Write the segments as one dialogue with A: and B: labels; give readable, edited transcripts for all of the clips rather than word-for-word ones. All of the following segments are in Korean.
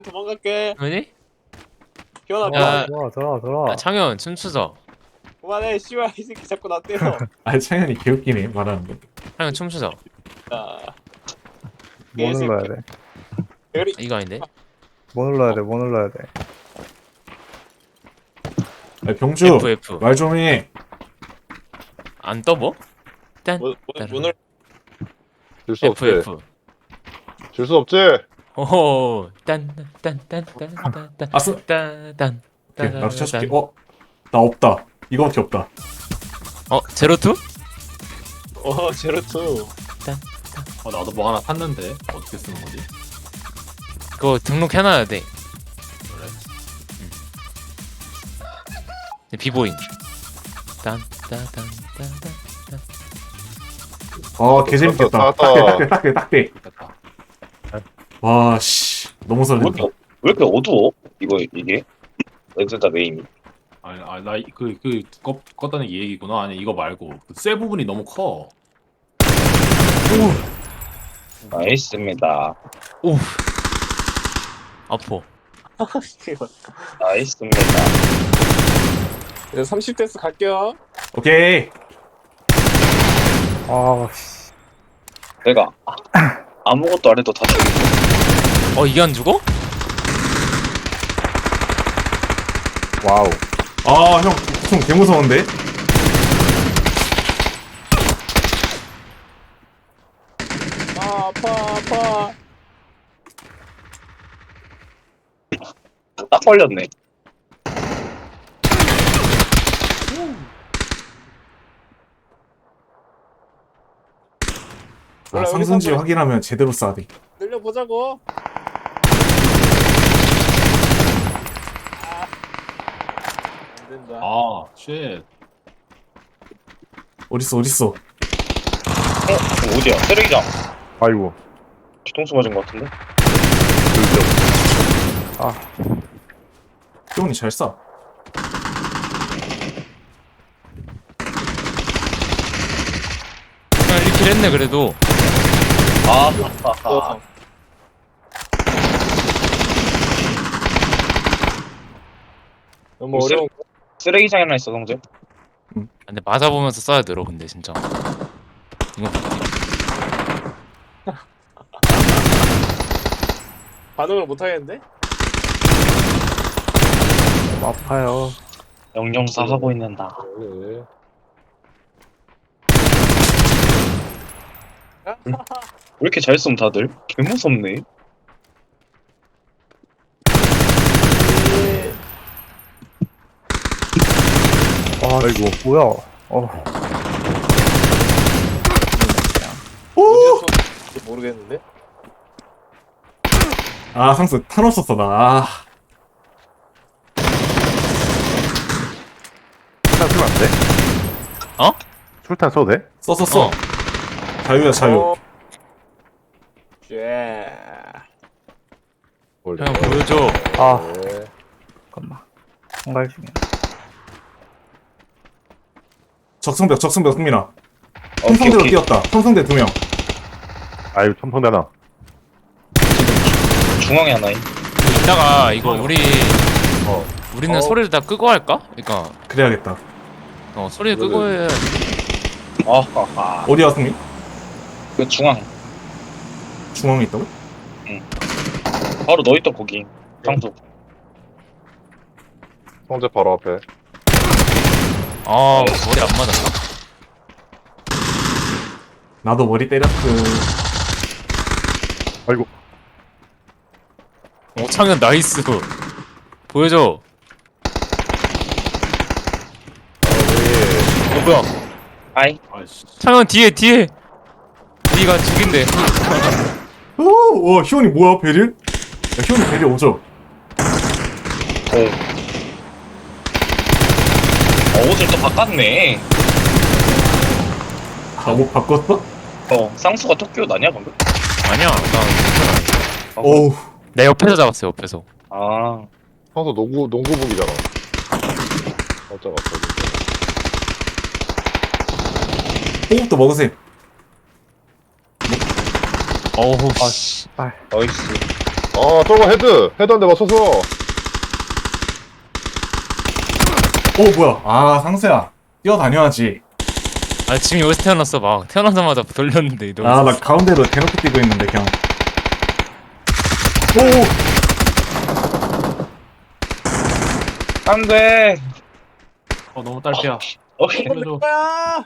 A: 도망갈게.
B: 왜니?
A: 기원아,
B: 야,
C: 들어와.
B: 창현 춤추자.
A: 그만해. 씨발, 이 새끼 자꾸 나 때려.
D: 아 창현이 개웃기네 말하는 거.
B: 창현 춤추자.
A: 자,
C: 뭐
A: 개새끼.
C: 눌러야 돼?
A: 별이.
B: 이거 아닌데?
C: 뭐 눌러야 돼?
D: 아, 병주
B: F.
D: 말 좀 해.
B: 안 떠 뭐? 딴.
A: 문을
E: 줄 수 없지.
B: F.
E: 줄 수 없지.
B: 오호. 딴.
D: 아싸.
B: 딴.
D: 오케이, 나도 쳐줄게. 나 없다. 이거밖에 없다.
B: 제로투?
A: 제로투.
F: 나도 뭐 하나 샀는데 어떻게 쓰는 거지?
B: 그거 등록해놔야 돼. 비보인. 딴.
D: 개재밌겠다.
E: 나왔다.
D: 딱대.
F: 됐다.
D: 와, 씨. 너무 설렌다.
G: 왜 이렇게 어두워? 이게? 렌즈다 메인이.
F: 나그 껐다는 이 얘기구나. 아니 이거 말고 그쇠 부분이 너무 커.
G: 나이스입니다.
B: 오. 아퍼.
G: 나이스입니다.
A: 이제 30대스 갈게요.
D: 오케이.
C: 씨.
G: 내가 아무것도 안 해도 다 죽이고.
B: 이게 안 죽어?
C: 와우.
D: 아, 형, 총 개무서운데?
A: 아파.
G: 딱 걸렸네.
A: 몰라, 우리
D: 상승지
A: 선물-
D: 확인하면 제대로 쏴야 돼.
A: 늘려보자고. 안 된다.
F: 아, 쉣.
D: 어딨어?
G: 어디야? 쓰레기장.
C: 아이고.
G: 뒤통수 맞은 것 같은데?
D: 희원이 잘 쏴.
B: 그냥 1킬 했네 그래도.
G: 아.
A: 너무 어려운 거.
G: 쓰레기장에 하나 있어, 동재.
B: 근데 맞아보면서 써야 들어 근데 진짜. 이거
A: 반응을 못 하겠는데?
C: 너무 아파요.
G: 영영사 하고 있는다.
E: 그래.
G: 왜 이렇게 잘 쏘면 다들? 개 무섭네.
C: 아이고. 뭐야?
A: 어디서 모르겠는데?
D: 아, 상수 탄 없었어, 나. 아,
C: 술탄 쓰면 안 돼?
B: 어?
C: 술탄 써도 돼?
D: 썼었어. 자유야, 자유.
A: 쉣.
B: 그냥 보여줘.
E: 네.
C: 잠깐만. 한갈 중이야.
D: 적성벽, 승민아.
G: 오케이,
D: 통성대로
G: 오케이.
D: 뛰었다. 통성대 2명.
C: 아유, 첨성대나.
G: 중앙에 하나 있.
B: 이따가 이거 우리는
A: 어.
B: 소리를 다 끄고 할까? 그러니까
D: 그래야겠다.
B: 소리를 끄고 해.
G: 아하하.
D: 어디야, 승민?
G: 그 중앙.
D: 중앙에 있다고?
G: 바로 너 있던 거기. 상수.
E: 성재 바로 앞에.
B: 머리 안 맞았나?
D: 나도 머리 때렸그.
C: 아이고.
B: 창현 나이스. 보여줘. 뭐야?
G: 아이.
F: 아이씨.
B: 창현 뒤에. 네가 죽인데.
D: 오, 희원이 뭐야, 베릴? 야, 희원이 베릴 오죠?
G: 옷을 또 바꿨네.
D: 아, 뭐 바꿨어?
G: 쌍수가 토끼옷 아니야 방금?
B: 아니야. 나
D: 어우.
B: 내 옆에서 잡았어 옆에서.
G: 아.
E: 성수 농구복이잖아. 어쩌고
D: 호흡도 먹으세요.
B: 어우 씨.
G: 나이스.
E: 아 저거 헤드 한 대 맞춰서.
D: 오 뭐야? 아 상수야 뛰어다녀야지.
B: 아 지금 여기서 태어났어. 막 태어나자마자 돌렸는데 이동.
D: 아 나 가운데로 대놓고 뛰고 있는데 그냥. 오.
G: 안돼.
F: 너무 딸피야.
G: 오케이.
F: 살려줘.
A: 뭐야?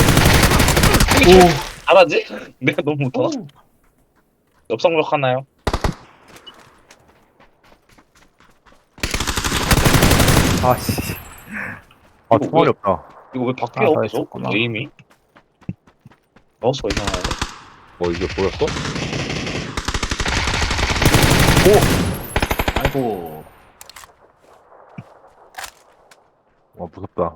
D: 오.
G: 잘하지? 내가 너무 못하나? 엽성벽 하나요?
C: 아씨. 아 총알이 없다.
G: 이거 왜 바뀌어?
C: 아, 다
G: 계속?
C: 있었구나.
G: 에임이? 마우스가 이상하네.
E: 이게 보였어?
F: 아이고.
C: 와 무섭다.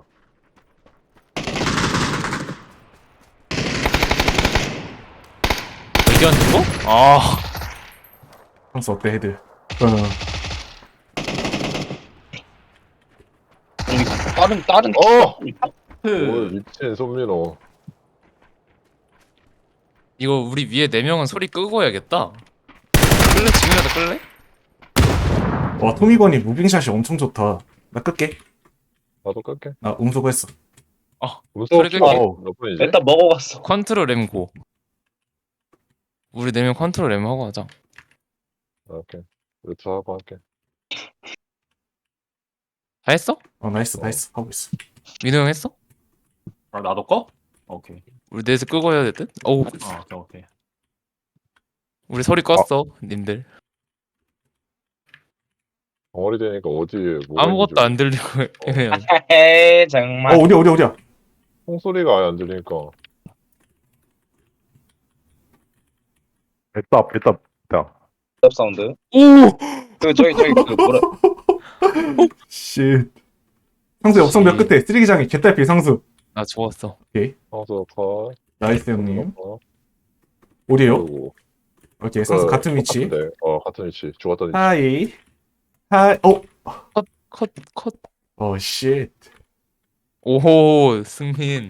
B: 의견 누구? 아
D: 상수 어때 헤드?
G: 다른
E: 어!
F: 그
E: 오 미친 손민호.
B: 이거 우리 위에 4명은 소리 끄고 해야겠다. 끌래? 지금이라도 끌래?
D: 와 토미건이 무빙샷이 엄청 좋다. 나 끌게.
E: 나도 끌게.
D: 나 음소거했어.
B: 소리 끌게.
E: 몇 분이지?
G: 일단 먹어갔어.
B: 컨트롤 M 고. 우리 4명 컨트롤 M 하고 하자.
E: 오케이. 루트 하고 할게.
B: 다 했어?
D: 나 했어 나 했어 하고 있어.
B: 민호 형 했어?
F: 아 나도 꺼? 오케이.
B: 우리 넷을 끄고 해야 될 듯? 어우
F: 오케이.
B: 우리 소리 껐어 님들.
E: 덩어리 되니까 어디에 뭐가
B: 아무것도 안
E: 있는지
B: 들리고 그냥
G: 헤이 정말.
D: 어디야?
E: 총소리가 아예 안 들리니까.
C: 뱉다 뱉다 뱉다.
G: 랩 사운드.
B: 오!
G: 저기 그 뭐라?
D: 쉣. 상수 옆성벽 끝에 쓰레기장에 개딸피 상수.
B: 나 죽었어.
E: 황소 컷.
D: 나이스 형님.
E: 컷.
D: 어디에요?
E: 그리고
D: 오케이 상수 같은 위치.
E: 똑같은데. 같은 위치. 죽었던 위치.
D: 하이. 하이.
B: 컷.
D: 쉣.
B: 오호 승민.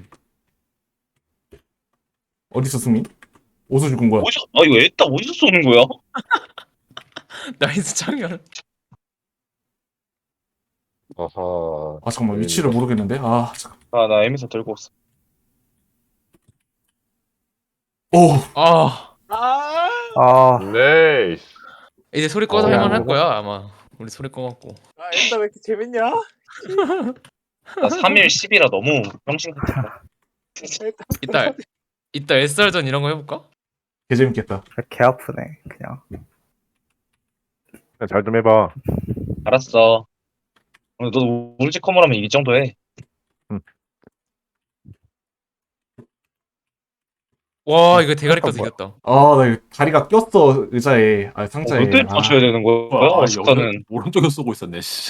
D: 어디서 승민? 어디서 죽은 거야?
G: 이거 애따 어디서 쏘는 거야?
B: 나이스 창현.
E: 아하.
D: 아 잠깐만 위치를 모르겠는데. 아 잠깐.
G: 나 에미사 들고 왔어.
D: 오.
B: 아
C: 아
E: 네이스.
B: 이제 소리 꺼서
E: 어,
B: 할만 할
C: 뭐가?
B: 거야 아마. 우리 소리 꺼갖고.
A: 엔다 왜 이렇게 재밌냐?
G: 나 3일 10이라 너무 병신 같다.
B: 이따 SR전 이런 거 해볼까?
D: 개 재밌겠다.
C: 개 아프네 그냥. 잘 좀 해봐.
G: 알았어. 너 울지 커머라면 이 정도 해.
B: 와 이거 대가리 꺼서
C: 뭐야?
B: 이겼다.
D: 나 이거 다리가 꼈어 의자에. 상자에.
G: 어떻게 맞춰야 되는 거야? 어스카는.
F: 오른쪽에 쏘고 있었네. 씨.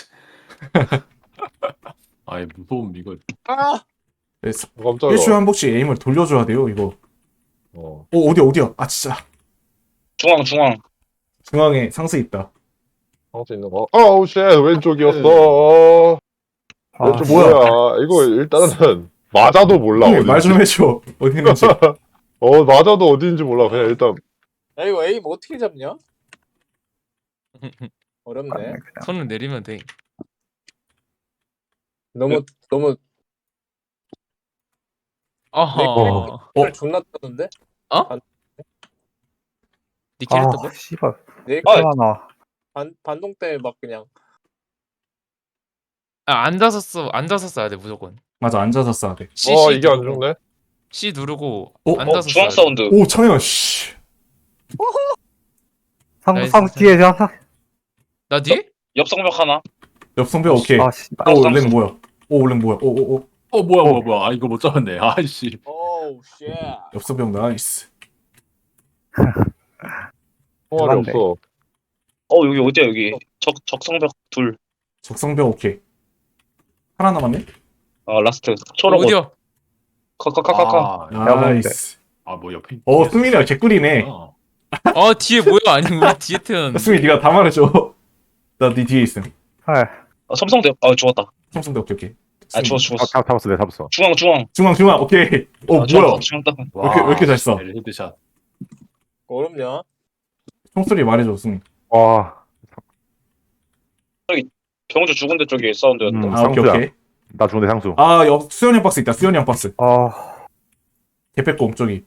F: 아이 무서움 이거.
E: 깜짝이야.
D: 일주일에 한 번씩 에임을 돌려줘야 돼요 이거. 어디야? 아 진짜.
G: 중앙.
D: 중앙에 상수 있다.
E: 황소 있는 거. 아우 쉣 왼쪽이었어. 왼쪽
D: 뭐야?
E: 뭐야? 이거 일단은 맞아도 몰라.
D: 말 좀 해줘. 어디 있는지.
E: 맞아도 어디인지 몰라. 그냥 일단
A: 야 이거 에임 어떻게 잡냐? 어렵네.
B: 손을 내리면 돼.
A: 너무
B: 아하.
A: 존나 뜨는데?
B: 니 캐릭터 뭐?
C: 씨발.
A: 내
C: 하나.
A: 반동 때문에 막 그냥
B: 앉아서 써야 돼 무조건.
D: 맞아 앉아서 써야 돼.
B: C
E: 이게 안
B: 누르고,
E: 죽네.
B: C 누르고
D: 어?
B: 앉아서
G: 중앙
B: 써야 돼.
G: 사운드.
D: 오 창현 씨.
B: 나이스,
C: 상상 뒤에 자.
B: 나 뒤에?
G: 옆성벽 하나.
D: 옆성벽 오케이.
C: 아 씨발.
D: 랭 뭐야? 랭 뭐야?
F: 뭐야. 이거 못 잡았네. 아이씨.
A: 오우 쉣.
D: 옆성벽 나이스.
E: 총알이
C: 맞네.
E: 없어.
G: 여기 어디야 여기? 적성벽 둘.
D: 적성벽 오케이. 하나 남았네.
G: 라스트. 초록 옷.
B: 어디야?
G: 카카카카카.
D: 나이스.
F: 뭐 옆에.
D: 승민이가 개꿀이네.
F: 아,
B: 뒤에 뭐야? 아니 우리 뒤에 태어났는데.
D: 승민 네가 다 말해줘. 나 네 뒤에 있음.
C: 헐.
G: 섬성대. 죽었다.
D: 삼성대 오케이.
G: 죽었어.
C: 잡았어 내가 잡았어.
G: 중앙.
D: 중앙 오케이. 뭐야?
G: 중앙 딱.
D: 왜 이렇게 잘 써?
F: 헤드샷.
A: 어렵냐?
D: 총소리 말해줘 승민.
C: 와
G: 경주 죽은 데 쪽에 사운드였는데.
C: 음.
D: 아, 오케이,
C: 상수야.
D: 오케이.
C: 나 죽은데 상수.
D: 아, 수현이 형 박스 있다. 수현이 형 박스.
C: 아,
D: 개패꼼 저기.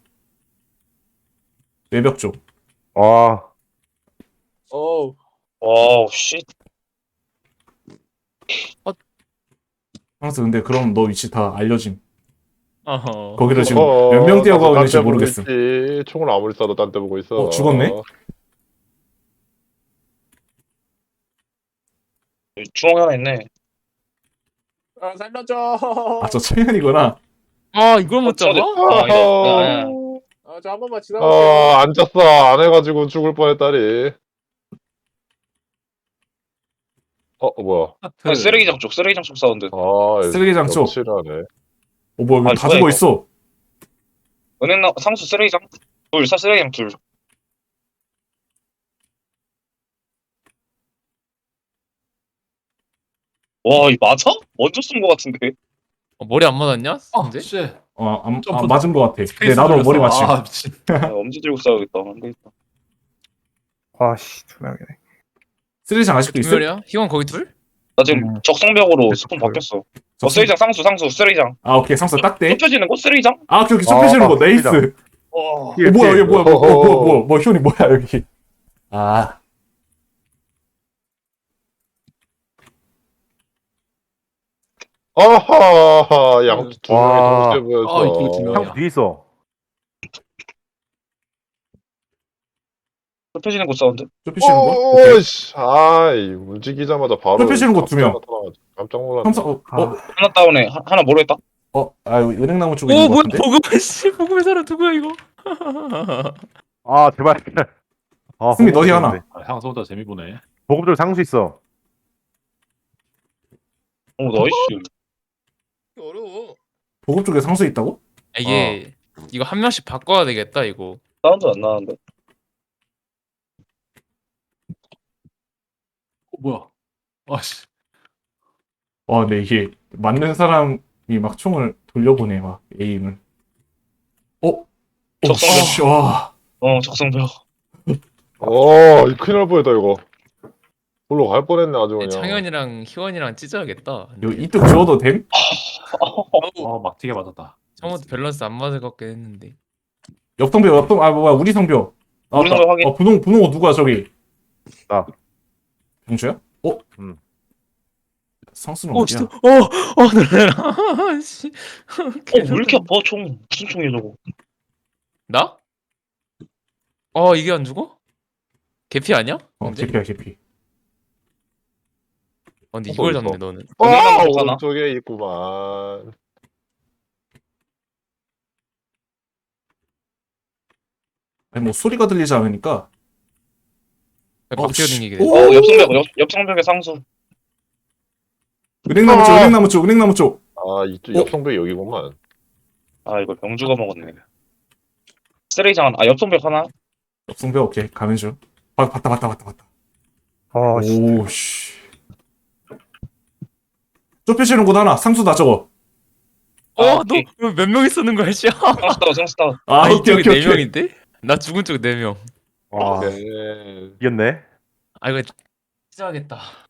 D: 외벽 쪽.
C: 아,
A: 어우.
G: 와우, 씨.
D: 상수 근데 그럼 너 위치 다 알려짐.
B: 어허.
D: 거기를 지금 몇 명 뛰어가고 있는지
E: 딴데 보고
D: 모르겠음.
E: 있지. 총을 아무리 쏴도 딴 데 보고 있어.
D: 죽었네?
G: 중앙에 하나 있네.
A: 아, 살려줘.
D: 아, 저 청년이구나.
B: 아 이걸 못 잡아?
G: 아, 아니야.
A: 아, 저 한 번만 지나갈게요.
E: 앉았어. 안 해가지고 죽을 뻔했다니. 뭐야.
G: 아니, 쓰레기장 쪽 사운드.
D: 쓰레기장 쪽.
E: 칠하네.
D: 뭐야,
G: 아,
D: 다
G: 뭐야,
D: 죽어
G: 이거.
D: 있어.
G: 은행 상수 쓰레기장 쓰레기장 둘. 와, 이 맞아? 먼저 쏜 거 같은데.
B: 머리 안 맞았냐?
F: 아,
B: 근데?
F: 씨.
D: 안 맞은 것 같아. 근데 나도 머리 맞지.
F: 아, 미친.
G: 엄지 들고 싸우겠다. 안 되겠다.
C: 아씨, 2명이네.
D: 쓰레기장 아직도 있어?
B: 두열이야? 희원 거기 둘?
G: 나 지금 적성벽으로 스폰 바뀌었어. 쓰레기장 상수 쓰레기장.
D: 아, 오케이. 상수 딱대.
G: 좁혀지는 곳 쓰레기장?
D: 아, 오케이, 오케이. 좁혀지는 거. 네이스.
C: 쓰레기장.
D: 뭐야, 이게 뭐야, 희원이 뭐야, 여기. 아,
E: 아하, 양두 명이
C: 와.
E: 동시에 보였어.
F: 아, 이쪽에 두 명이야.
C: 상수 뒤에 있어.
G: 좁혀지는 곳 사운드.
D: 좁혀지는 거? 오케이.
E: 오씨, 아이, 움직이자마자 바로.
D: 좁혀지는 곳 두 명.
E: 나타나가지고 깜짝 놀랐네.
D: 삼성,
G: 하나 다운에 하나 모르겠다.
D: 은행나무 쪽에
B: 오
D: 있는 거
B: 뭐야
D: 같은데?
B: 보급의 씨 보급의 사람 누구야 이거?
C: 아, 제발. 아,
D: 승리, 너희 하나.
F: 아, 향수보다 재미 보네.
C: 보급줄 상수 있어.
G: 나이스.
A: 어려워.
D: 보급 쪽에 상수 있다고?
B: 이게 이거 한 명씩 바꿔야 되겠다 이거.
G: 사운드 안 나는데.
F: 뭐야? 아씨.
D: 와, 근데 이게 맞는 사람이 막 총을 돌려보내, 막 에임을.
G: 적성벽.
D: 씨, 와.
G: 적성벽.
E: 이 큰일 날 뻔했다, 이거. 볼로 갈 뻔했네, 아주 그냥.
B: 창현이랑 희원이랑 찢어야겠다.
D: 이거 이뚝 지워도 됨?
F: 막 튀게 맞았다.
B: 처음부터 밸런스 안 맞을 것 같긴 했는데.
D: 옆 성벽, 뭐야, 우리 성벽.
G: 우리 성벽 확인.
D: 분홍 옷 누구야, 저기?
C: 나.
D: 병주야?
C: 응.
D: 상수는 어디야?
B: 진짜. 놀래라. 씨.
G: 왜 이렇게 아파 총? 무슨 총이야 저거?
B: 나? 이게 안 죽어? 개피 아니야? 근데?
D: 개피.
B: 근데 이걸 잡네 너는.
G: 하나?
E: 오른쪽에 있구만.
D: 아니, 뭐, 소리가 들리지 않으니까.
B: 막
D: 씨.
B: 뛰어다니게 돼.
D: 오!
G: 옆성벽의 상수.
D: 은행나무 쪽.
E: 이쪽 옆성벽이 여기구만.
G: 이거 병주가 먹었네. 쓰레기장 하나. 옆성벽 하나.
D: 옆 성벽, 오케이. 가는 중. 봤다.
C: 아, 씨.
D: 오, 씨. 좁혀지는 곳 하나. 상수다, 저거.
B: 너
G: 오케이.
B: 몇 명 있었는 거야, 씨?
G: 상수 다운.
B: 이쪽에 4명인데? 나 죽은 쪽에 4명.
C: 와,
E: 네.
C: 이겼네.
B: 이거 찢어야겠다.